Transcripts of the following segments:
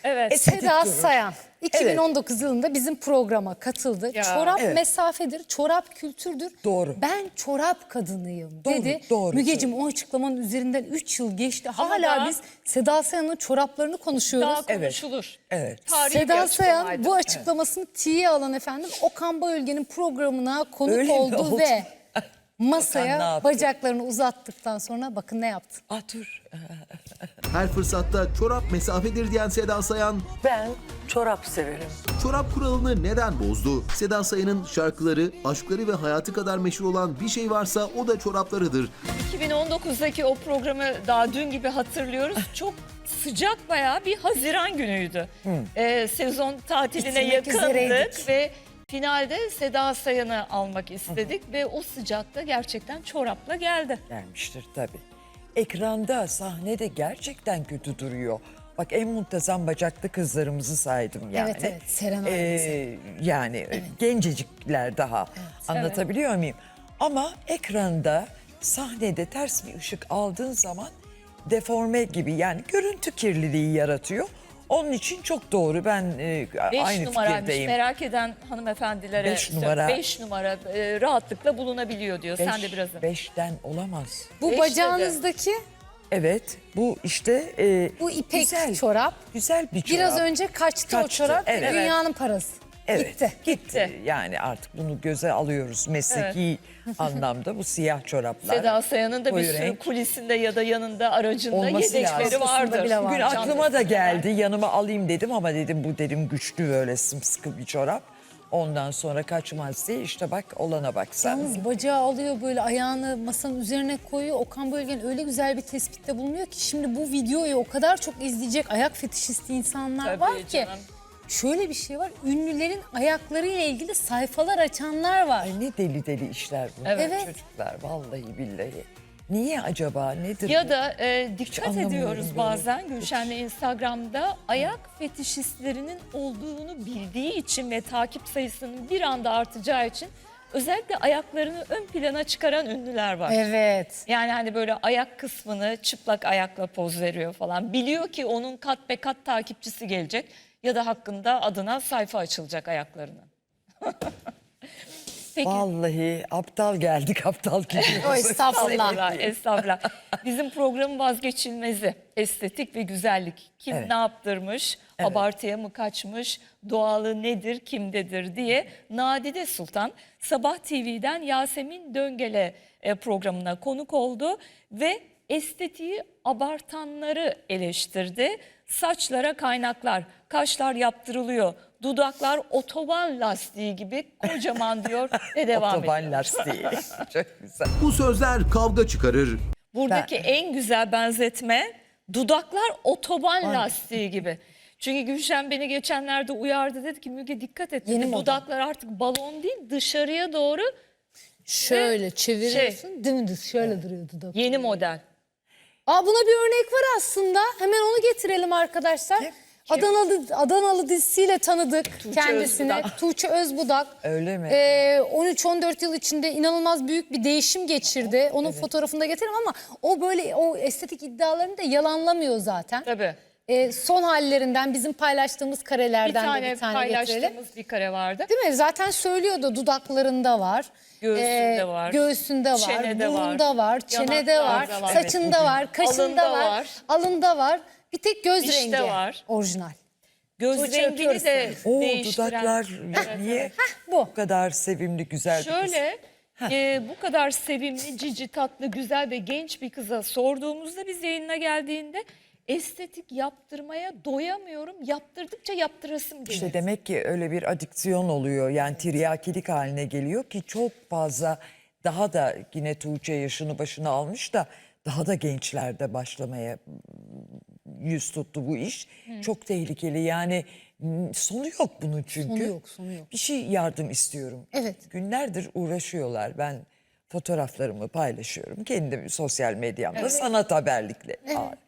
Evet. Seda durur. Sayan 2019 yılında bizim programa katıldı. Ya. Çorap Evet. mesafedir, çorap kültürdür. Doğru. Ben çorap kadınıyım Doğru, dedi. doğru. Mügeciğim, o açıklamanın üzerinden 3 yıl geçti. Ama Hala daha- biz Seda Sayan'ın çoraplarını konuşuyoruz. Daha Evet. konuşulur. Evet. Tarihi bir Seda Sayan açıklamaydı. bu açıklamasını tiye alan efendim Okan Bayülgen'in programına konuk Öyle mi oldu oldu? ve Okan ne masaya yaptı? bacaklarını uzattıktan sonra bakın ne yaptı. Dur. Her fırsatta çorap mesafedir diyen Seda Sayan, Ben çorap severim. çorap kuralını neden bozdu? Seda Sayan'ın şarkıları, aşkları ve hayatı kadar meşhur olan bir şey varsa o da çoraplarıdır. 2019'daki o programı daha dün gibi hatırlıyoruz. Çok sıcak bayağı bir Haziran günüydü. Sezon tatiline Bitirmek yakındık üzereydik. ve finalde Seda Sayan'ı almak istedik ve o sıcakta gerçekten çorapla geldi. Gelmiştir tabii. Ekranda, sahnede gerçekten kötü duruyor. Bak, en muntazam bacaklı kızlarımızı saydım yani. Evet, evet, Serenay Yani gencecikler daha. Anlatabiliyor muyum? Ama ekranda, sahnede ters bir ışık aldığın zaman deforme gibi, yani görüntü kirliliği yaratıyor. Onun için çok doğru. Ben 5 aynı numaraymış. fikirdeyim. Merak eden hanımefendilere 5 numara. 5 numara rahatlıkla bulunabiliyor diyor. Sen de biraz. 5'ten olamaz. Bu Beş bacağınızdaki Evet, bu işte bu ipek güzel, çorap. güzel bir çorap. Biraz önce kaçtı o Kaçtı, çorap ve evet. dünyanın parası. Evet, Gitti. gitti. Yani artık bunu göze alıyoruz mesleki anlamda, bu siyah çoraplar. Seda Sayan'ın da bir koyu sürü renk kulisinde ya da yanında aracında olması yedekleri lazım. vardır. bile var. Bugün aklıma da geldi, yanıma alayım dedim ama dedim bu dedim güçlü, böyle sımsıkı bir çorap. Ondan sonra kaçmaz diye, işte bak olana bak sen. Yalnız bacağı alıyor, böyle ayağını masanın üzerine koyuyor. Okan Bayülgen öyle güzel bir tespitte bulunuyor ki şimdi bu videoyu o kadar çok izleyecek ayak fetişisti insanlar Tabii var ki. canım. Şöyle bir şey var, ünlülerin ayaklarıyla ilgili sayfalar açanlar var. Ay ne deli deli işler bunlar Evet. çocuklar, vallahi billahi. Niye acaba, nedir Ya bu? da dikkat anlamıyorum ediyoruz böyle. bazen Gülşen'le Instagram'da ayak fetişistlerinin olduğunu bildiği için ve takip sayısının bir anda artacağı için özellikle ayaklarını ön plana çıkaran ünlüler var. Evet. Yani hani böyle ayak kısmını çıplak ayakla poz veriyor falan. Biliyor ki onun kat be kat takipçisi gelecek ya da hakkında adına sayfa açılacak ayaklarının. Peki. Vallahi aptal geldik, aptal gidiyoruz. O estağfurullah. Estağfurullah. Bizim programın vazgeçilmezi estetik ve güzellik. Kim Evet. ne yaptırmış, abartıya mı kaçmış, doğalı nedir, kimdedir diye Nadide Sultan Sabah TV'den Yasemin Döngele programına konuk oldu ve estetiği abartanları eleştirdi. Saçlara kaynaklar, kaşlar yaptırılıyor, dudaklar otoban lastiği gibi kocaman diyor ve devam ediyor. Otoban lastiği. Çok güzel. Bu sözler kavga çıkarır. Buradaki en güzel benzetme dudaklar otoban lastiği gibi. Çünkü Gülşen beni geçenlerde uyardı, dedi ki Müge dikkat et. Yeni Dedi, moda. dudaklar artık balon değil, dışarıya doğru Şöyle çeviriyorsun, dümdüz şöyle duruyor dudak. yeni model. Buna bir örnek var aslında. Hemen onu getirelim arkadaşlar. Adanalı dizisiyle tanıdık kendisini. Özbudak. Tuğçe Özbudak. Öyle mi? 13-14 yıl içinde inanılmaz büyük bir değişim geçirdi. Onun fotoğrafını da getirelim ama o böyle o estetik iddialarını da yalanlamıyor zaten. Tabii. Son hallerinden bizim paylaştığımız Bir karelerden tane de bir tane getirelim. paylaştığımız bir kare vardı. Değil mi? Zaten söylüyordu, dudaklarında var. Göğsünde var. Göğsünde var. Çenede burnunda var. Çenede var. Yanaklarda var. Saçında var. Kaşında Alında var. var. Alında var. Bir tek göz Dişte rengi. var. Orijinal. Göz Tuğçe rengini öpüyoruz de Oo, değiştiren. dudaklar niye bu. bu kadar sevimli, güzel bir kız? Şöyle bu kadar sevimli, cici, tatlı, güzel ve genç bir kıza sorduğumuzda biz yayına geldiğinde estetik yaptırmaya doyamıyorum. Yaptırdıkça yaptırasım geliyor. İşte demek ki öyle bir adüksiyon oluyor. Yani tiryakilik haline geliyor ki çok fazla, daha da yine Tuğçe yaşını başına almış da daha da gençlerde başlamaya yüz tuttu bu iş. Çok tehlikeli yani, sonu yok bunun çünkü. Sonu yok. Bir şey yardım istiyorum. Evet. Günlerdir uğraşıyorlar. Ben fotoğraflarımı paylaşıyorum. Kendim sosyal medyamda sanat haberlikle.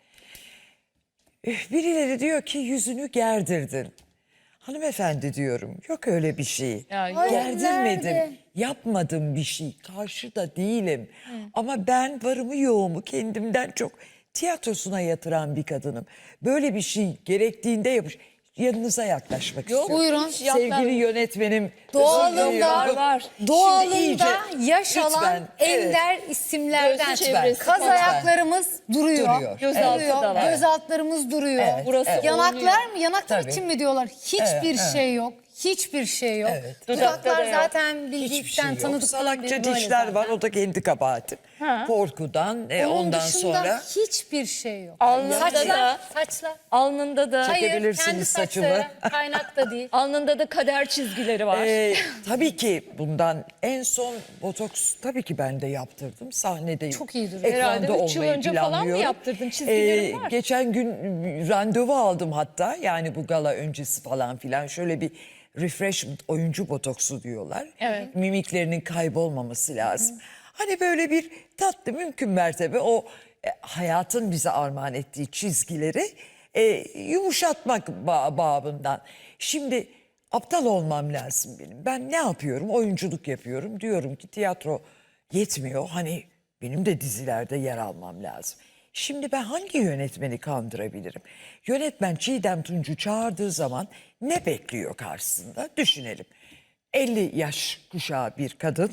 Birileri diyor ki yüzünü gerdirdin. Hanımefendi diyorum, yok öyle bir şey. Ya, yok. Hayır, Gerdirmedim. nerede? Yapmadım bir şey. Karşı da değilim. Ama ben varımı yoğumu kendimden çok tiyatrosuna yatıran bir kadınım. Böyle bir şey gerektiğinde yanınıza yaklaşmak Yok, istiyorum. buyurun. Sevgili yönetmenim. Doğalında, özür diliyorum. var. Doğalında Şimdi iyice, yaş alan lütfen, evet. ender isimlerden. Gözü çevresi Kaz falan. ayaklarımız duruyor. Duruyor. Gözaltı Duruyor. da var. Göz altlarımız duruyor. Evet, Burası evet. Yanaklar mı? Yanaklar Tabii. için mi diyorlar? Hiçbir şey yok. Hiçbir şey yok. Evet. Dudakta da Dudaklar yok. zaten Hiçbir bildikten, şey yok. tanıdıktan Salakça beri böyle dişler zaten. var, o da kendi kabahatim. Korkudan Onun ondan dışında sonra hiçbir şey yok. Alnında Saçlar, da, saçlar. alnında da, Hayır, Çekebilirsiniz kendi saçımı. saçları kaynak da değil. alnında da kader çizgileri var. tabii ki bundan en son botoks tabii ki ben de yaptırdım. Sahnedeyim. Çok iyi duruyor. Ekranda Herhalde 3 yıl olmayı önce falan mı planlıyorum. yaptırdın? Çizgilerin var. Geçen gün randevu aldım hatta. Yani bu gala öncesi falan filan. Şöyle bir refreshment, oyuncu botoksu diyorlar. Evet. Mimiklerinin kaybolmaması lazım. Hani böyle bir tatlı, mümkün mertebe o hayatın bize armağan ettiği çizgileri yumuşatmak babından. Şimdi aptal olmam lazım benim. Ben ne yapıyorum? Oyunculuk yapıyorum. Diyorum ki tiyatro yetmiyor. Hani benim de dizilerde yer almam lazım. Şimdi ben hangi yönetmeni kandırabilirim? Yönetmen Çiğdem Tunç'u çağırdığı zaman ne bekliyor karşısında? Düşünelim. 50 yaş kuşağı bir kadın.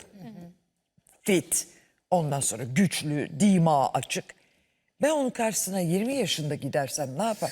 Fit. Ondan sonra güçlü, dima açık. Ben onun karşısına 20 yaşında gidersem ne yapar?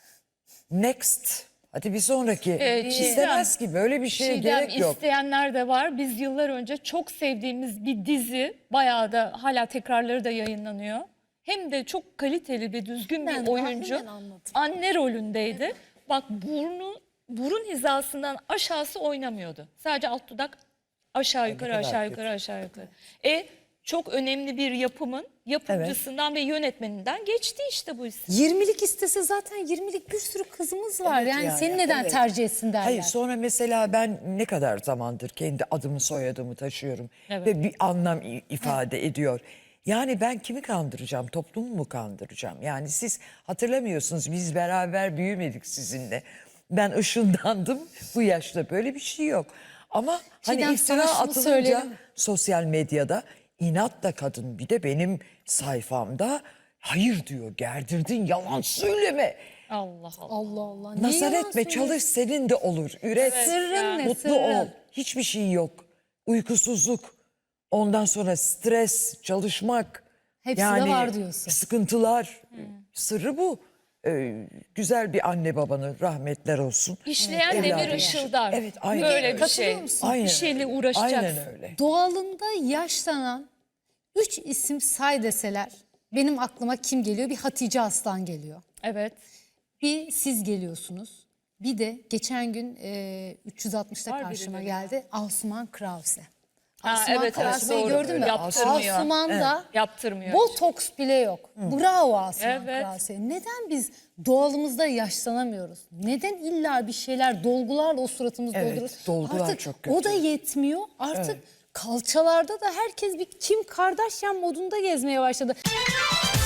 Next. Hadi bir sonraki. İstemez ki, böyle bir şeye Çiğdem, gerek yok. isteyenler de var. Biz yıllar önce çok sevdiğimiz bir dizi, bayağı da hala tekrarları da yayınlanıyor. Hem de çok kaliteli ve düzgün Ben bir oyuncu. tahminen anladım. Anne rolündeydi. Bak burun hizasından aşağısı oynamıyordu. Sadece alt dudak aşağı yukarı, kadar aşağı kötü. yukarı, aşağı yukarı. Çok önemli bir yapımın yapımcısından ve yönetmeninden geçti işte bu isim. 20'lik istese zaten 20'lik bir sürü kızımız var. Evet yani, yani, seni neden evet. tercih etsin derler. Hayır, sonra mesela ben ne kadar zamandır kendi adımı soyadımı taşıyorum Evet. ve bir anlam ifade ediyor. Yani ben kimi kandıracağım, toplumu mu kandıracağım? Yani siz hatırlamıyorsunuz, biz beraber büyümedik sizinle. Ben ışındandım, bu yaşta böyle bir şey yok. Ama Çiğdem, hani iftira sana şunu atılınca söyleyelim. sosyal medyada inatla kadın, bir de benim sayfamda hayır diyor, gerdirdin, yalan söyleme. Allah Allah. Allah Allah. Niye Nazar yalan etme, söylüyorsun? çalış, senin de olur. Üret, Sırrın ne, mutlu sırrın? ol. Hiçbir şey yok. Uykusuzluk, ondan sonra stres, çalışmak. Hepsi de var diyorsun. Sıkıntılar. Sırrı bu. Güzel bir anne babanı rahmetler olsun. İşleyen Evladı demir yaşa. ışıldar. Evet, aynen Böyle öyle. bir Katılıyor şey. musun? Aynen Bir şeyle öyle. uğraşacaksın. Aynen öyle. Doğalında yaşlanan 3 isim say deseler benim aklıma kim geliyor? Bir Hatice Aslan geliyor. Evet. Bir siz geliyorsunuz. Bir de geçen gün 360'ta Var karşıma birileri geldi. Asuman Krause. Ha, Asuman evet, evet, Krause'yi doğru. gördün mü? Yaptırmıyor. Asuman'da Yaptırmıyor. botoks bile yok. Bravo Asuman Evet. Krause. Neden biz doğalımızda yaşlanamıyoruz? Neden illa bir şeyler dolgularla o suratımızı Evet, dolduruyoruz? dolgular Artık çok kötü. o da yetmiyor. Artık kalçalarda da herkes bir Kim Kardashian modunda gezmeye başladı.